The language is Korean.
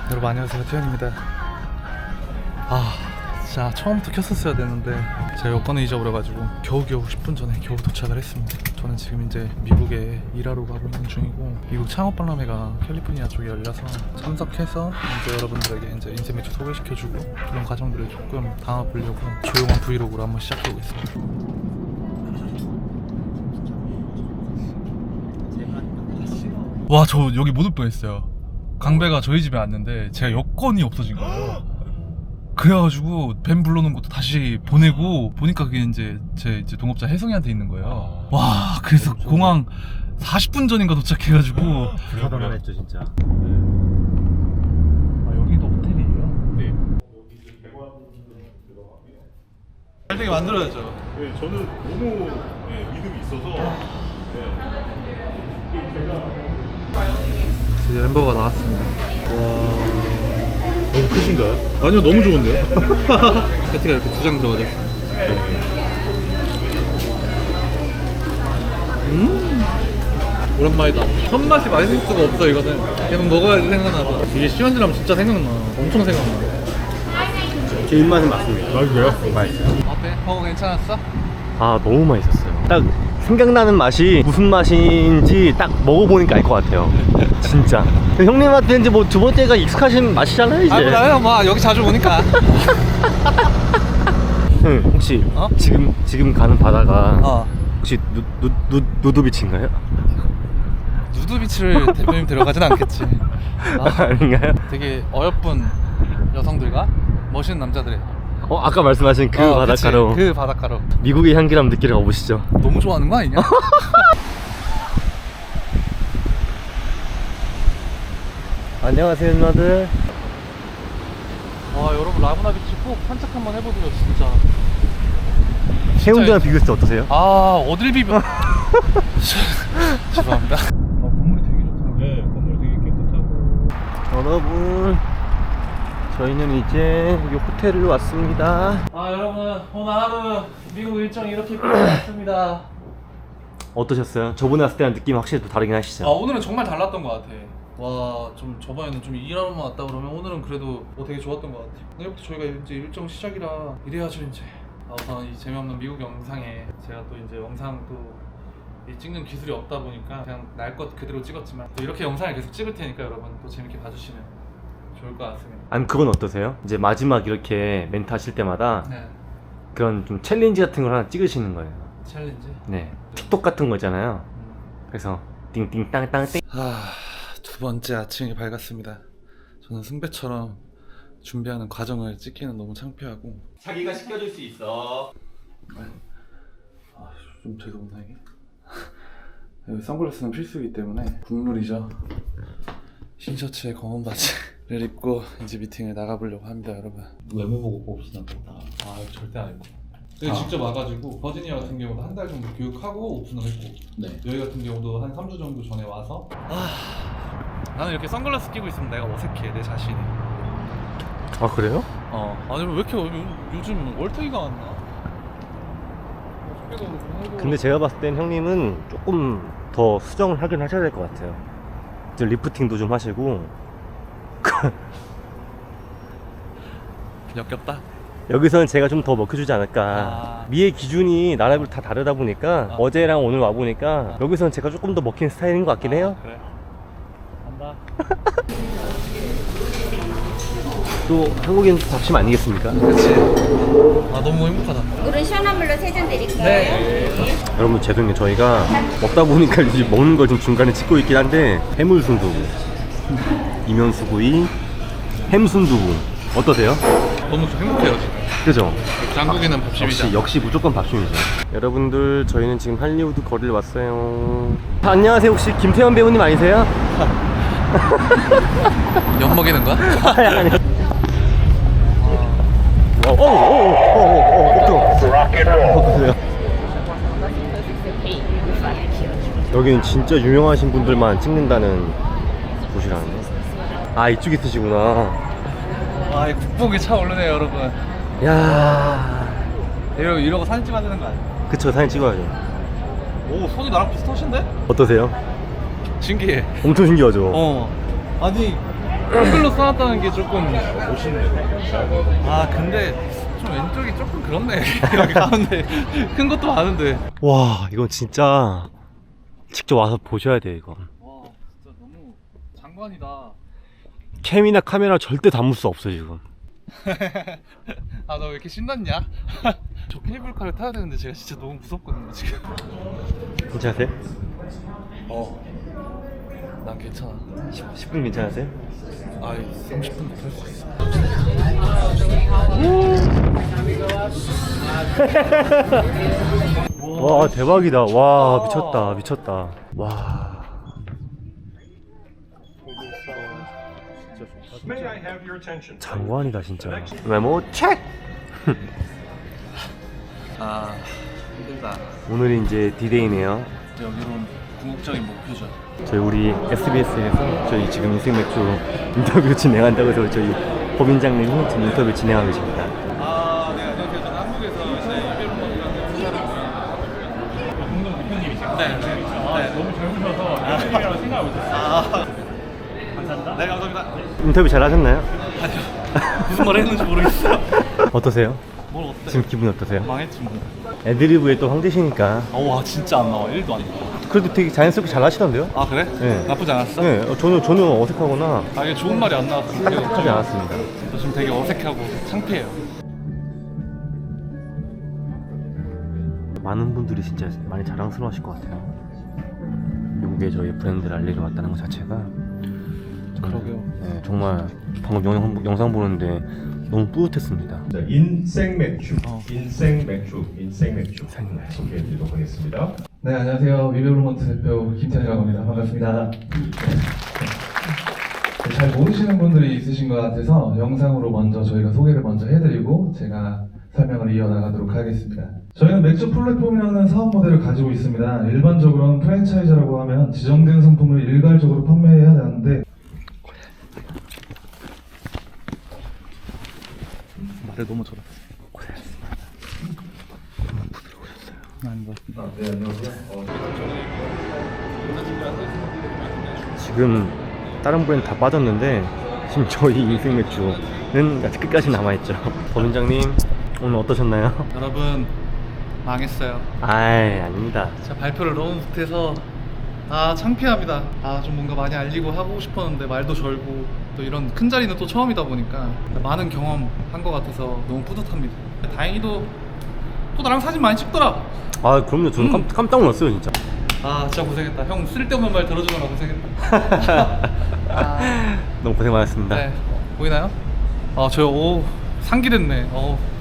여러분 안녕하세요, 태현입니다. 진짜 처음부터 켰었어야 되는데 제가 여권을 잊어버려가지고 겨우겨우 10분 전에 겨우 도착을 했습니다. 저는 지금 이제 미국에 일하러 가고 있는 중이고, 미국 창업박람회가 캘리포니아 쪽에 열려서 참석해서 이제 여러분들에게 이제 인생 맥주 소개시켜주고 그런 과정들을 조금 담아보려고 조용한 브이로그로 한번 시작해보고 있습니다. 와, 저 여기 못 올 뻔했어요. 강배가 저희 집에 왔는데 제가 여권이 없어진 거예요. 그래가지고 뱀 불러놓은 것도 다시 보내고 보니까 그게 이제 제 동업자 혜성이한테 있는 거예요. 와, 그래서 공항 40분 전인가 도착해가지고 불가능했죠 진짜. 여기도 호텔이에요? 네. 잘 되게 만들어야죠. 네, 저는 너무 믿음이 있어서. 이제 햄버거가 나왔습니다. 너무 크신가요? 아니요, 너무 좋은데요? 패티가 이렇게 2장 들어가죠. 오랜만이다. 손맛이 맛있을 수가 없어. 이거는 계속 먹어야지 생각나서. 이게 시원지라면 진짜 생각나. 엄청 생각나. 제 입맛은 맞습니다. 맛있어요? 맛있어요. 어때? 버거 괜찮았어? 아, 너무 맛있었어요. 딱 생각나는 맛이 무슨 맛인지 딱 먹어보니까 알 것 같아요. 진짜. 형님한테 이제 뭐 두 번째가 익숙하신 맛이잖아요, 이제. 나요. 뭐 여기 자주 오니까. 형, 혹시 어? 지금 가는 바다가 혹시 누드비치인가요? 누드비치를 대표님 데려가진 않겠지. 아닌가요? 되게 어여쁜 여성들과 멋있는 남자들의 아까 말씀하신 그 바닷가로. 그치, 그 바닷가로. 미국의 향기람 느끼러 가보시죠. 너무 좋아하는 거 아니냐? 안녕하세요, 누나들. 여러분 라구나 비치 꼭 산책 한번 해보세요, 진짜. 해운대랑 비교했을 때 어떠세요? 어딜 비벼? 죄송합니다. 건물이 되게 좋다. 네, 건물 되게 깨끗하고. 여러분, 저희는 이제 이 호텔을 왔습니다. 여러분, 오늘 하루 미국 일정이 이렇게 끝났습니다. 어떠셨어요? 저번에 왔을 때랑 느낌이 확실히 또 다르긴 하시죠? 오늘은 정말 달랐던 것 같아. 와, 좀 저번에는 좀 일하러만 왔다 그러면 오늘은 그래도 되게 좋았던 것 같아. 내일부터 저희가 이제 일정 시작이라 이래야죠 이제. 우선 이 재미없는 미국 영상에 제가 또 이제 영상 또 찍는 기술이 없다 보니까 그냥 날 것 그대로 찍었지만 또 이렇게 영상을 계속 찍을 테니까 여러분 또 재밌게 봐주시면 좋을 것 같습니다. 아니, 그건 어떠세요? 이제 마지막 이렇게 멘트 하실 때마다 네. 그런 좀 챌린지 같은 걸 하나 찍으시는 거예요. 챌린지? 네. 틱톡 같은 거 있잖아요. 그래서 띵띵땅땅띵. 두 번째 아침이 밝았습니다. 저는 승배처럼 준비하는 과정을 찍기는 너무 창피하고. 자기가 시켜줄 수 있어. 좀 죄송하다 이게. 여기 선글라스는 필수이기 때문에 국룰이죠. 흰 셔츠에 검은 바지를 입고 이제 미팅을 나가보려고 합니다, 여러분. 외모 보고 뽑으시나 보다. 절대 안 입고. 여기 직접 와가지고 버지니아 같은 경우도 한 달 정도 교육하고 오픈을 했고, 네. 여기 같은 경우도 한 3주 정도 전에 와서. 나는 이렇게 선글라스 끼고 있으면 내가 어색해, 내 자신이. 아, 그래요? 아니 왜 이렇게 요즘 월등이가 왔나? 근데 제가 봤을 땐 형님은 조금 더 수정을 하긴 하셔야 될 것 같아요. 이제 리프팅도 좀 하시고. 역겹다. 여기서는 제가 좀 더 먹혀주지 않을까. 미의 기준이 나라별로 다 다르다 보니까 어제랑 오늘 와보니까 여기서는 제가 조금 더 먹힌 스타일인 것 같긴 해요. 그래. 간다. 또 한국인 잡심 아니겠습니까? 그렇지. 너무 행복하다. 물은 시원한 물로 3잔 드릴까요? 네. 여러분, 죄송해요. 저희가 먹다 보니까 이제 먹는 걸 좀 중간에 찍고 있긴 한데, 해물순두부, 이면수구이, 햄순두부 어떠세요? 너무 좀 행복해요 지금. 그죠? 한국인은 밥심이다. 역시 무조건 밥심이죠. 여러분들, 저희는 지금 할리우드 거리를 왔어요. 안녕하세요. 혹시 김태현 배우님 아니세요? 엿 먹이는 거야? 아니. 여기는 진짜 유명하신 분들만 찍는다는 곳이라는데. 이쪽에 있으시구나. 이 국뽕이 차오르네요 여러분. 야, 이러고 사진 찍어야 되는 거 아니야? 그쵸, 사진 찍어야죠. 오, 손이 나랑 비슷하신데? 어떠세요? 신기해. 엄청 신기하죠? 아니 한글로 써놨다는 게 조금 아 근데 좀 왼쪽이 조금 그렇네. 여기 가운데 큰 것도 많은데. 와 이건 진짜 직접 와서 보셔야 돼요 이거. 와 진짜 너무 장관이다. 캠이나 카메라 절대 담을 수 없어 지금. 아 너 왜 이렇게 신났냐? 저 케이블카를 타야 되는데 제가 진짜 너무 무섭거든요 지금. 괜찮으세요? 난 괜찮아. 10분 괜찮으세요? 아 30분 탈 수 있어. 와 대박이다. 와 미쳤다 미쳤다. 와. 장관이다 진짜. 메모 체크. 아 힘들다. 오늘이 이제 디데이네요. 여기로는 궁극적인 목표죠. 저희 우리 SBS에서 저희 지금 인생 맥주 인터뷰 진행한다고 해서 저희 법인장님이 지금 인터뷰 진행하고 계십니다. 아, 네, 안녕하세요. 저는 한국에서 이제 이별론이라는 투자를 공동 대표님이시죠? 네, 네. 너무 젊으셔서 대표님이라고 생각을 못했어요. 감사합니다. 네, 감사합니다. 인터뷰 잘 하셨나요? 아니요. 무슨 말 했는지 모르겠어요. 어떠세요? 뭘 어때? 지금 기분이 어떠세요? 망했지 뭐. 애드리브에 또 황제시니까 와, 진짜 안 나와. 1도 안 나와. 그래도 되게 자연스럽게 잘 하시던데요? 아, 그래? 네. 나쁘지 않았어? 네, 전혀 어색하거나 아, 이게 좋은 말이 안 나왔어. 하지 않았습니다. 저 지금 되게 어색하고 창피해요. 많은 분들이 진짜 많이 자랑스러워하실 것 같아요. 미국에 저희 브랜드를 알리러 왔다는 것 자체가 그러게요. 네, 정말 방금 영상 보는데 너무 뿌듯했습니다. 자, 인생 맥주, 인생 맥주 소개해드리도록 하겠습니다. 네, 안녕하세요. 위베블먼트 대표 김태현이라고 합니다. 반갑습니다. 네, 잘 모르시는 분들이 있으신 것 같아서 영상으로 먼저 저희가 소개를 먼저 해드리고 제가 설명을 이어나가도록 하겠습니다. 저희는 맥주 플랫폼이라는 사업 모델을 가지고 있습니다. 일반적으로는 프랜차이즈라고 하면 지정된 상품을 일괄적으로 판매해야 하는데 말을 너무 잘했어. 고생하셨습니다. 너무 부드러우셨어요. 아닌 것 같습니다. 네, 안녕하세요. 지금 다른 브랜드 다 빠졌는데 지금 저희 인생 맥주는 아직 끝까지 남아있죠. 법인장님 오늘 어떠셨나요? 여러분 망했어요. 아이 아닙니다. 제가 발표를 너무 못해서 아 창피합니다. 아 좀 뭔가 많이 알리고 하고 싶었는데 말도 절고 또 이런 큰 자리는 또 처음이다 보니까 많은 경험한 것 같아서 너무 뿌듯합니다. 다행히도 또 나랑 사진 많이 찍더라. 아 그럼요. 저는 깜짝 놀랐어요 진짜. 아 진짜 고생했다. 형 쓸데없는 말 들어주느라 고생했다. 너무 고생 많았습니다. 네 보이나요? 아 저 오 상기됐네.